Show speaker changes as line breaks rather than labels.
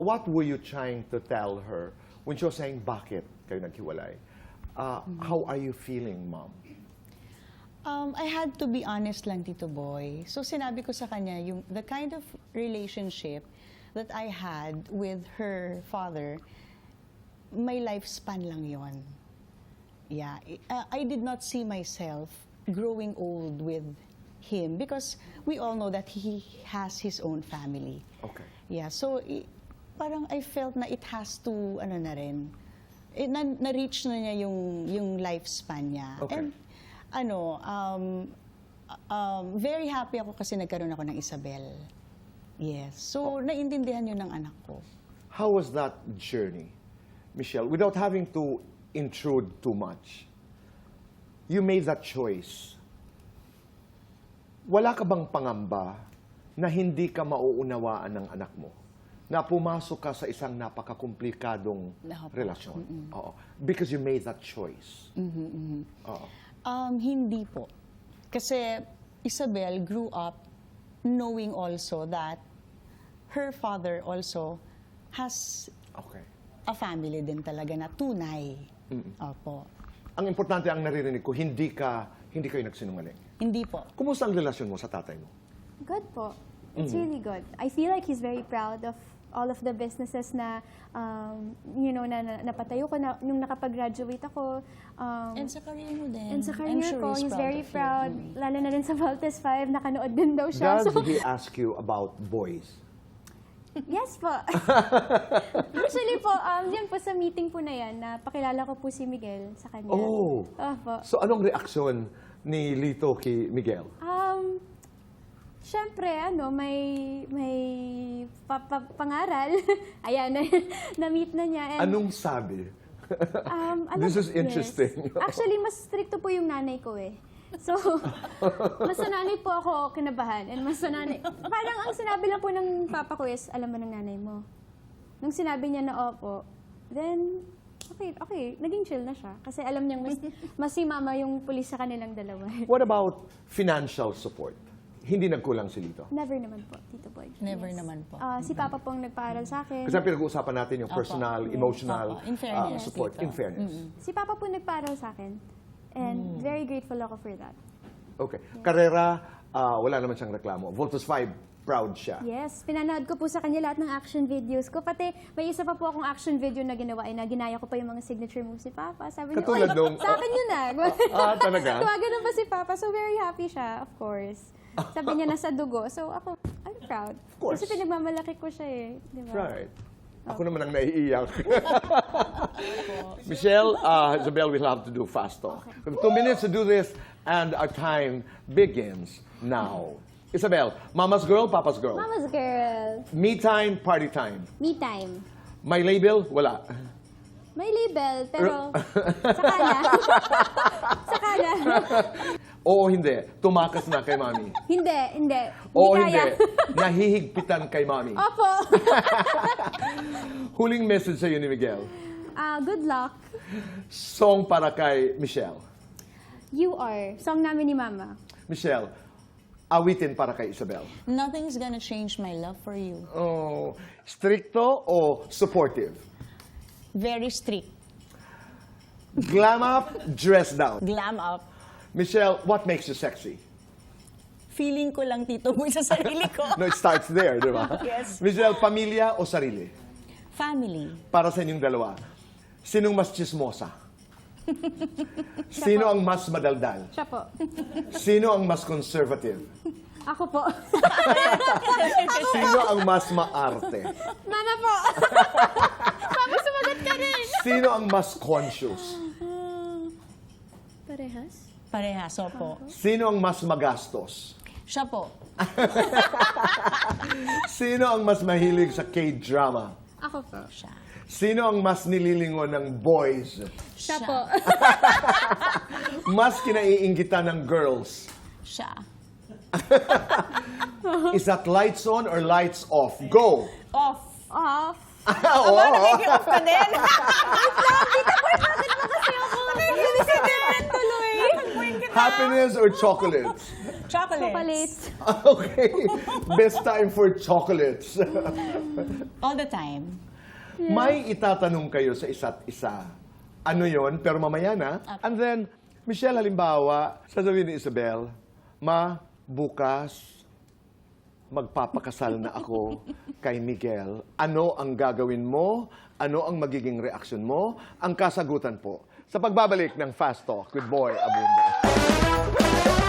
what were you trying to tell her when she was saying, bakit kayo naghiwalay? How are you feeling, Mom?
I had to be honest lang, Tito Boy. So sinabi ko sa kanya, the kind of relationship that I had with her father, may lifespan lang yon. Yeah, I did not see myself growing old with him because we all know that he has his own family.
Okay.
Yeah, so parang I felt na it has to, ano na rin, na-reach na niya yung lifespan niya.
Okay.
And very happy ako kasi nagkaroon ako ng Isabel. Yes. So, naintindihan yun ng anak ko.
How was that journey, Michelle? Without having to intrude too much, you made that choice. Wala ka bang pangamba na hindi ka mauunawaan ng anak mo? Na pumasok ka sa isang napakakomplikadong relasyon? Oo. Because you made that choice. Oo.
Hindi po. Kasi Isabel grew up knowing also that her father also has a family din talaga na tunay. Opo.
Ang importante ang naririnig ko, hindi kayo nagsinungaling.
Hindi po.
Kumusta ang relasyon mo sa tatay mo?
Good po. It's really good. I feel like he's very proud of all of the businesses na, na napatayo ko na, nung nakapag-graduate ako.
And sa career mo din.
And sa career
I'm sure
ko, he's very
of you.
proud. Lalo na rin sa Valtes 5, nakanood din daw siya.
Does he ask you about boys?
Yes po. Usually po, yan po sa meeting po na yan, napakilala ko po si Miguel sa kanya.
Oh.
Opo.
So anong reaksyon ni Lito kay Miguel?
Siyempre, may pangaral. Ayan, na-meet na niya. And,
Anong sabi?
This
is interesting.
Yes. Actually, mas stricto po yung nanay ko eh. So, mas sa nanay po ako kinabahan. And mas sa nanay, parang ang sinabi lang po ng papa ko is, alam mo ng nanay mo. Nung sinabi niya na opo, then, okay, naging chill na siya. Kasi alam niyang mas si mama yung pulis sa kanilang dalawa.
What about financial support? Hindi nagkulang si Lito?
Never naman po, Tito Boy.
Never naman po.
Si Papa pong nagpaaral sa akin.
Kasi pinag-uusapan natin yung personal, emotional
In fairness,
support.
Tito.
In fairness.
Si Papa po nagpaaral sa akin. And very grateful ako for that.
Okay. Karera, wala naman siyang reklamo. Voltus 5, proud siya.
Yes, pinanood ko po sa kanya lahat ng action videos ko. Pati may isa pa po akong action video na ginawa na ginaya ko pa yung mga signature moves ni Papa. Sabi niya,
Katulad nung-
sa akin yun na.
Talaga?
Tuwagan pa si Papa. So very happy siya, of course. Sabi niya nasa dugo. So ako, I'm proud.
Of course.
Kasi pinagmamalaki ko siya eh. Di ba?
Right. Ako naman ang naiiyak. Michelle, Isabel, we'll have to do fast talk. We have 2 minutes to do this, and our time begins now. Isabel, mama's girl, papa's girl.
Mama's girl.
Me time, party time.
Me time.
My label, wala.
May label, pero saka na. Saka na.
Oo, hindi. Tumakas na kay mami.
Hindi.
Oo,
kaya.
hindi. Nahihigpitan kay mami.
Opo.
Huling message sa'yo ni Miguel.
Good luck.
Song para kay Michelle.
You are. Song namin ni Mama.
Michelle, awitin para kay Isabel.
Nothing's gonna change my love for you.
Oh, stricto o supportive?
Very strict.
Glam up, dress down.
Glam up.
Michelle, what makes you sexy?
Feeling ko lang, Tito Boy, sa sarili ko.
No, it starts there, di ba?
Yes.
Michelle, pamilya o sarili?
Family.
Para sa inyong dalawa, sinong mas chismosa? Sino ang mas madaldal?
Siya po.
Sino ang mas conservative?
Ako po.
Sino ang mas maarte?
Mana po. Mama, sumagot ka rin.
Sino ang mas conscious?
Parehas?
Parehas, opo.
Sino ang mas magastos?
Siya po.
Sino ang mas mahilig sa K-drama?
Ako po.
Siya.
Sino ang mas nililingon ng boys?
Siya po.
Mas kinaiinggitan ng girls?
Siya.
Is that lights on or lights off? Go!
Off.
Off.
Oo.
Nag-off ka din.
Kasi ako.
Tuloy.
Happiness or chocolates?
Chocolate.
Chocolates.
Okay. Best time for chocolates.
All the time.
May itatanong kayo sa isa't isa. Ano yon? Pero mamaya na. And then, Michelle, halimbawa, sasabihin ni Isabel, Ma, bukas, magpapakasal na ako kay Miguel. Ano ang gagawin mo? Ano ang magiging reaksyon mo? Ang kasagutan po sa pagbabalik ng Fast Talk with Boy Abunda.